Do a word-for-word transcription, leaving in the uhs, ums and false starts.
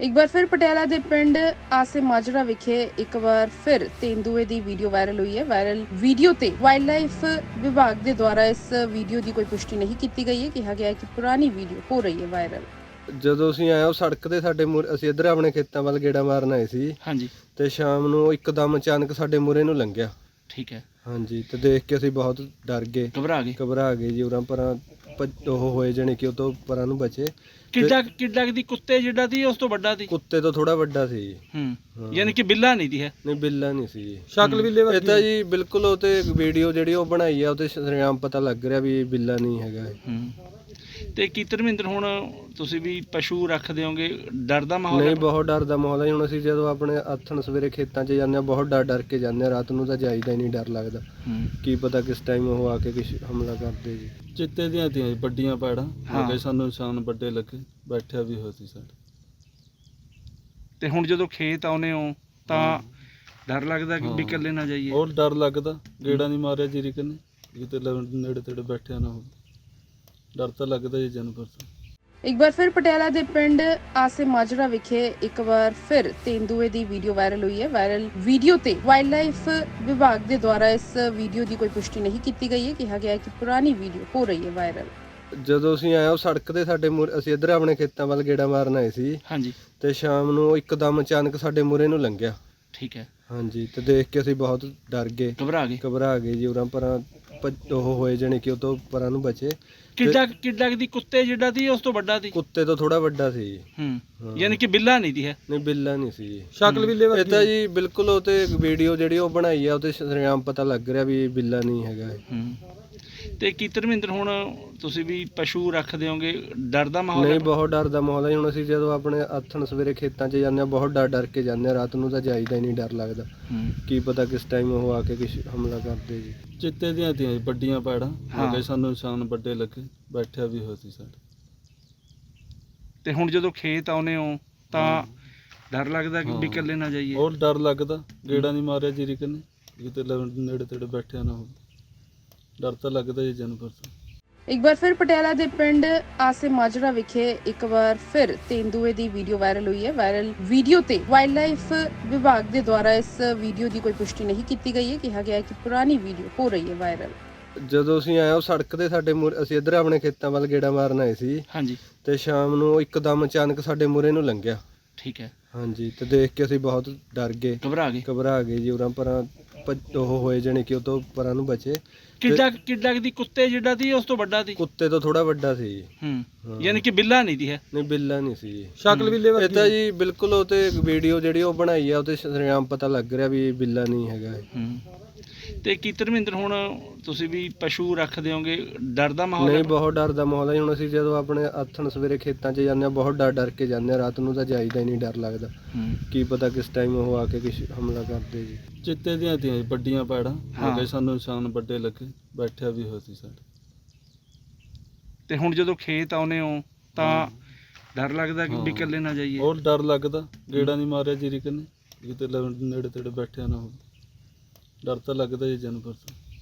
ਇੱਕ ਵਾਰ ਫਿਰ ਪਟਿਆਲਾ ਦੇ ਪਿੰਡ ਆਸੇ ਮਾਜਰਾ ਵਿਖੇ ਇੱਕ ਵਾਰ ਫਿਰ ਤੇਂਦੂਏ ਦੀ ਵੀਡੀਓ ਵਾਇਰਲ ਹੋਈ ਹੈ। ਵਾਇਰਲ ਵੀਡੀਓ ਤੇ ਵਾਈਲਡ ਲਾਈਫ ਵਿਭਾਗ ਦੇ ਦੁਆਰਾ ਇਸ ਵੀਡੀਓ ਦੀ ਕੋਈ ਪੁਸ਼ਟੀ ਨਹੀਂ ਕੀਤੀ ਗਈ ਹੈ। ਕਿਹਾ ਗਿਆ ਹੈ ਕਿ ਪੁਰਾਣੀ ਵੀਡੀਓ ਹੋ ਰਹੀ ਹੈ ਵਾਇਰਲ। ਜਦੋਂ ਅਸੀਂ ਆਏ ਉਹ ਸੜਕ ਤੇ ਸਾਡੇ ਮੂਹਰੇ ਅਸੀਂ ਇੱਧਰ ਆਪਣੇ ਖੇਤਾਂ ਵੱਲ ਗੇੜਾ ਮਾਰਨ ਆਏ ਸੀ ਹਾਂਜੀ ਤੇ ਸ਼ਾਮ ਨੂੰ ਇੱਕਦਮ ਅਚਾਨਕ ਸਾਡੇ ਮੂਹਰੇ ਨੂੰ ਲੰਘਿਆ। ਠੀਕ ਹੈ। ਹਾਂਜੀ ਤੇ ਦੇਖ ਕੇ ਅਸੀਂ ਬਹੁਤ ਡਰ ਗਏ, ਘਬਰਾ ਗਏ ਘਬਰਾ ਗਏ ਜੀ। ਉਰਾਂ ਪਰਾਂ ਭੱਜ- ਉਹ ਹੋਏ ਜਾਣੀ ਕਿ ਉਹ ਤੋਂ ਪਰਾਂ ਨੂੰ ਬਚੇ। ਕਿੱਡਾ ਕਿੱਡਾ ਦੀ ਕੁੱਤੇ ਜਿੱਡਾ ਦੀ ਉਸ ਤੋਂ ਵੱਡਾ ਦੀ ਕੁੱਤੇ ਤੋਂ ਥੋੜਾ ਵੱਡਾ ਸੀ ਜੀ। ਹੂੰ ਯਾਨੀ ਕਿ ਬਿੱਲਾ ਨਹੀਂ ਦੀ ਹੈ। ਨਹੀਂ ਬਿੱਲਾ ਨਹੀਂ ਸੀ ਜੀ, ਸ਼ਕਲ ਬਿੱਲੇ ਵਰਗੀ। ਇਹ ਤਾਂ ਜੀ ਬਿਲਕੁਲ ਉਹ ਤੇ ਵੀਡੀਓ ਜਿਹੜੀ ਉਹ ਬਣਾਈ ਆ ਉਹ ਤੇ ਸ਼ਰੇਆਮ ਪਤਾ ਲੱਗ ਰਿਹਾ ਵੀ ਇਹ ਬਿੱਲਾ ਨਹੀਂ ਹੈਗਾ ਇਹ। ਹੂੰ ਤੇ ਕੀ ਧਰਮਿੰਦਰ ਹੁਣ ਤੁਸੀਂ ਵੀ ਪਸ਼ੂ ਰੱਖਦੇ ਹੋਗੇ, ਡਰ ਦਾ ਮਾਹੌਲ ਨਹੀਂ ਹੈ? ਬਹੁਤ ਡਰ ਦਾ ਮਾਹੌਲ ਹੈ। ਹੁਣ ਅਸੀਂ ਜਦੋਂ ਆਪਣੇ ਆਥਣ ਸਵੇਰੇ ਖੇਤਾਂ 'ਚ ਜਾਂਦੇ ਹਾਂ ਬਹੁਤ ਡਰ ਡਰ ਕੇ ਜਾਂਦੇ ਹਾਂ। ਰਾਤ ਨੂੰ ਤਾਂ ਜਾਈਦਾ ਹੀ ਨਹੀਂ, ਡਰ ਲੱਗਦਾ। ਹੂੰ ਕੀ ਪਤਾ ਕਿਸ ਟਾਈਮ ਉਹ ਆ ਕੇ ਕੁਛ ਹਮਲਾ ਕਰਦੇ ਜੀ। ਚਿੱਤੇ ਦੀਆਂ ਤੀਆਂ ਜੀ, ਵੱਡੀਆਂ ਪੈੜਾਂ ਹਾਂ। ਲੱਗੇ, ਸਾਨੂੰ ਨਿਸ਼ਾਨ ਵੱਡੇ ਲੱਗੇ, ਬੈਠਿਆ ਵੀ ਹੋਇਆ ਸੀ ਸਾਡੇ। ਤੇ ਹੁਣ ਜਦੋਂ ਖੇਤ ਆਉਨੇ ਹੋ ਤਾਂ ਡਰ ਲੱਗਦਾ ਕਿ ਵੀ ਇਕੱਲੇ ਨਾ ਜਾਈਏ? ਹੋਰ ਡਰ ਲੱਗਦਾ, ਗੇੜਾ ਨਹੀਂ ਮਾਰਿਆ ਜੀਰੀ ਕਨੇ ਕਿਤੇ ਲ- ਨੇੜੇ ਤੇੜੇ ਬੈਠਿਆ ਨਾ ਹੋਵੇ। ਡਰ ਤਾਂ ਲੱਗਦਾ ਜੀ ਜਾਨਵਰ ਤੋਂ। ਇੱਕ ਵਾਰ ਫਿਰ ਪਟਿਆਲਾ ਦੇ ਪਿੰਡ ਆਸੇ ਮਾਜਰਾ ਵਿਖੇ ਇੱਕ ਵਾਰ ਫਿਰ ਤੇਂਦੂਏ ਦੀ ਵੀਡੀਓ ਵਾਇਰਲ ਹੋਈ ਹੈ। ਵਾਇਰਲ ਵੀਡੀਓ ਤੇ ਵਾਈਲਡ ਲਾਈਫ ਵਿਭਾਗ ਦੇ ਦੁਆਰਾ ਇਸ ਵੀਡੀਓ ਦੀ ਕੋਈ ਪੁਸ਼ਟੀ ਨਹੀਂ ਕੀਤੀ ਗਈ ਹੈ। ਕਿਹਾ ਗਿਆ ਹੈ ਕਿ ਪੁਰਾਣੀ ਵੀਡੀਓ ਹੋ ਰਹੀ ਹੈ ਵਾਇਰਲ। ਜਦੋਂ ਅਸੀਂ ਆਏ ਉਹ ਸੜਕ ਤੇ ਸਾਡੇ ਮੂਹਰੇ ਅਸੀਂ ਇੱਧਰ ਆਪਣੇ ਖੇਤਾਂ ਵੱਲ ਗੇੜਾ ਮਾਰਨ ਆਏ ਸੀ ਹਾਂਜੀ ਤੇ ਸ਼ਾਮ ਨੂੰ ਇੱਕਦਮ ਅਚਾਨਕ ਸਾਡੇ ਮੂਹਰੇ ਨੂੰ ਲੰਘਿਆ। ਠੀਕ ਹੈ। ਹਾਂਜੀ ਤੇ ਦੇਖ ਕੇ ਅਸੀਂ ਬਹੁਤ ਡਰ ਗਏ, ਘਬਰਾ ਗਏ ਘਬਰਾ ਗਏ ਜੀ। ਉਰਾਂ ਪਰਾਂ ਭੱਜ- ਉਹ ਹੋਏ ਜਾਣੀ ਕਿ ਉਹ ਤੋਂ ਪਰਾਂ ਨੂੰ ਬਚੇ। ਕਿੱਡਾ ਕਿੱਡਾ ਦੀ ਕੁੱਤੇ ਜਿੱਡਾ ਦੀ ਉਸ ਤੋਂ ਵੱਡਾ ਦੀ? ਕੁੱਤੇ ਤੋਂ ਥੋੜਾ ਵੱਡਾ ਸੀ ਜੀ। ਹੂੰ ਯਾਨੀ ਕਿ ਬਿੱਲਾ ਨਹੀਂ ਦੀ ਹੈ। ਨਹੀਂ ਬਿੱਲਾ ਨਹੀਂ ਸੀ ਜੀ, ਸ਼ਕਲ ਬਿੱਲੇ ਇਹ ਤਾਂ ਜੀ ਬਿਲਕੁਲ ਉਹ ਤੇ ਵੀਡੀਓ ਜਿਹੜੀ ਉਹ ਬਣਾਈ ਆ ਉਹ ਤੇ ਸ਼ਰੇਆਮ ਪਤਾ ਲੱਗ ਰਿਹਾ ਵੀ ਇਹ ਬਿੱਲਾ ਨਹੀਂ ਹੈਗਾ ਇਹ। ਹੂੰ ਤੇ ਕੀ ਧਰਮਿੰਦਰ ਹੁਣ ਤੁਸੀਂ ਵੀ ਪਸ਼ੂ ਰੱਖਦੇ ਹੋਗੇ, ਡਰ ਦਾ ਮਾਹੌਲ ਨਹੀਂ ਹੈ? ਬਹੁਤ ਡਰ ਦਾ ਮਾਹੌਲ ਹੈ। ਹੁਣ ਅਸੀਂ ਜਦੋਂ ਆਪਣੇ ਆਥਣ ਸਵੇਰੇ ਖੇਤਾਂ 'ਚ ਜਾਂਦੇ ਹਾਂ ਬਹੁਤ ਡਰ ਡਰ ਕੇ ਜਾਂਦੇ ਹਾਂ। ਰਾਤ ਨੂੰ ਤਾਂ ਜਾਈਦਾ ਹੀ ਨਹੀਂ, ਡਰ ਲੱਗਦਾ। ਹੂੰ ਕੀ ਪਤਾ ਕਿਸ ਟਾਈਮ ਉਹ ਆ ਕੇ ਕੁਛ ਹਮਲਾ ਕਰਦੇ ਜੀ। ਚਿੱਤੇ ਦੀਆਂ ਤੀਆਂ ਜੀ, ਵੱਡੀਆਂ ਪੈੜਾਂ ਹਾਂ। ਲੱਗੇ, ਸਾਨੂੰ ਨਿਸ਼ਾਨ ਵੱਡੇ ਲੱਗੇ, ਬੈਠਿਆ ਵੀ ਹੋਇਆ ਸੀ ਸਾਡੇ। ਤੇ ਹੁਣ ਜਦੋਂ ਖੇਤ ਆਉਨੇ ਹੋ ਤਾਂ ਡਰ ਲੱਗਦਾ ਕਿ ਵੀ ਇਕੱਲੇ ਨਾ ਜਾਈਏ? ਹੋਰ ਡਰ ਲੱਗਦਾ, ਗੇੜਾ ਨਹੀਂ ਮਾਰਿਆ ਜੀਰੀ ਕਨੇ ਕਿਤੇ ਲ- ਨੇੜੇ ਤੇੜੇ ਬੈਠਿਆ ਨਾ ਹੋਵੇ। ਡਰ ਤਾਂ ਲੱਗਦਾ ਜੀ ਜਾਨਵਰ ਤੋਂ। ਇੱਕ ਵਾਰ ਫਿਰ ਪਟਿਆਲਾ ਦੇ ਪਿੰਡ ਆਸੇ ਮਾਜਰਾ ਵਿਖੇ ਇੱਕ ਵਾਰ ਫਿਰ ਤੇਂਦੂਏ ਦੀ ਵੀਡੀਓ ਵਾਇਰਲ ਹੋਈ ਹੈ। ਵਾਇਰਲ ਵੀਡੀਓ ਤੇ ਵਾਈਲਡ ਲਾਈਫ ਵਿਭਾਗ ਦੇ ਦੁਆਰਾ ਇਸ ਵੀਡੀਓ ਦੀ ਕੋਈ ਪੁਸ਼ਟੀ ਨਹੀਂ ਕੀਤੀ ਗਈ ਹੈ। ਕਿਹਾ ਗਿਆ ਹੈ ਕਿ ਪੁਰਾਣੀ ਵੀਡੀਓ ਹੋ ਰਹੀ ਹੈ ਵਾਇਰਲ। ਜਦੋਂ ਅਸੀਂ ਆਏ ਉਹ ਸੜਕ ਤੇ ਸਾਡੇ ਮੂਹਰੇ ਅਸੀਂ ਇੱਧਰ ਆਪਣੇ ਖੇਤਾਂ ਵੱਲ ਗੇੜਾ ਮਾਰਨ ਆਏ ਸੀ ਹਾਂਜੀ ਤੇ ਸ਼ਾਮ ਨੂੰ ਇੱਕਦਮ ਅਚਾਨਕ ਸਾਡੇ ਮੂਹਰੇ ਨੂੰ ਲੰਘਿਆ। ਠੀਕ ਹੈ। ਹਾਂਜੀ ਤੇ ਦੇਖ ਕੇ ਅਸੀਂ ਬਹੁਤ ਡਰ ਗਏ, ਘਬਰਾ ਗਏ ਘਬਰਾ ਗਏ ਜੀ। ਉਰਾਂ ਪਰਾਂ ਭੱਜ- ਉਹ ਹੋਏ ਜਾਣੀ ਕਿ ਉਹ ਤੋਂ ਪਰਾਂ ਨੂੰ ਬਚੇ। ਕਿੱਡਾ ਕਿੱਡਾ ਦੀ ਕੁੱਤੇ ਜਿੱਡਾ ਦੀ ਉਸ ਤੋਂ ਵੱਡਾ ਦੀ? ਕੁੱਤੇ ਤੋਂ ਥੋੜਾ ਵੱਡਾ ਸੀ ਜੀ। ਹੂੰ ਯਾਨੀ ਕਿ ਬਿੱਲਾ ਨਹੀਂ ਦੀ ਹੈ। ਨਹੀਂ ਬਿੱਲਾ ਨਹੀਂ ਸੀ ਜੀ, ਸ਼ਕਲ ਬਿੱਲੇ ਇਹ ਵਰਗੀ। ਤਾਂ ਜੀ ਬਿਲਕੁਲ ਉਹ ਤੇ ਵੀਡੀਓ ਜਿਹੜੀ ਉਹ ਬਣਾਈ ਆ ਉਹ ਤੇ ਸ਼ਰੇਆਮ ਪਤਾ ਲੱਗ ਰਿਹਾ ਵੀ ਇਹ ਬਿੱਲਾ ਨਹੀਂ ਹੈਗਾ ਇਹ। ਹੂੰ ਤੇ ਕੀ ਧਰਮਿੰਦਰ ਹੁਣ ਤੁਸੀਂ ਵੀ ਪਸ਼ੂ ਰੱਖਦੇ ਹੋਗੇ, ਡਰ ਦਾ ਮਾਹੌਲ ਨਹੀਂ ਹੈ? ਬਹੁਤ ਡਰ ਦਾ ਮਾਹੌਲ ਹੈ। ਹੁਣ ਅਸੀਂ ਜਦੋਂ ਆਪਣੇ ਆਥਣ ਸਵੇਰੇ ਖੇਤਾਂ 'ਚ ਜਾਂਦੇ ਹਾਂ ਬਹੁਤ ਡਰ ਡਰ ਕੇ ਜਾਂਦੇ ਹਾਂ। ਰਾਤ ਨੂੰ ਤਾਂ ਜਾਈਦਾ ਹੀ ਨਹੀਂ, ਡਰ ਲੱਗਦਾ। ਹੂੰ ਕੀ ਪਤਾ ਕਿਸ ਟਾਈਮ ਉਹ ਆ ਕੇ ਕੁਛ ਹਮਲਾ ਕਰਦੇ ਜੀ। ਚਿੱਤੇ ਦੀਆਂ ਤੀਆਂ ਜੀ, ਵੱਡੀਆਂ ਪੈੜਾਂ ਹਾਂ। ਲੱਗੇ, ਸਾਨੂੰ ਨਿਸ਼ਾਨ ਵੱਡੇ ਲੱਗੇ, ਬੈਠਿਆ ਵੀ ਹੋਇਆ ਸੀ ਸਾਡੇ। ਤੇ ਹੁਣ ਜਦੋਂ ਖੇਤ ਆਉਨੇ ਹੋ ਤਾਂ ਡਰ ਲੱਗਦਾ ਕਿ ਵੀ ਇਕੱਲੇ ਨਾ ਜਾਈਏ? ਹੋਰ ਡਰ ਲੱਗਦਾ, ਗੇੜਾ ਨਹੀਂ ਮਾਰਿਆ ਜੀਰੀ ਕਨੇ ਕਿਤੇ ਲ- ਨੇੜੇ ਤੇੜੇ ਬੈਠਿਆ ਨਾ ਹੋਵੇ। ਡਰ ਤਾਂ ਲੱਗਦਾ ਜੀ ਜਾਨਵਰ ਤੋਂ।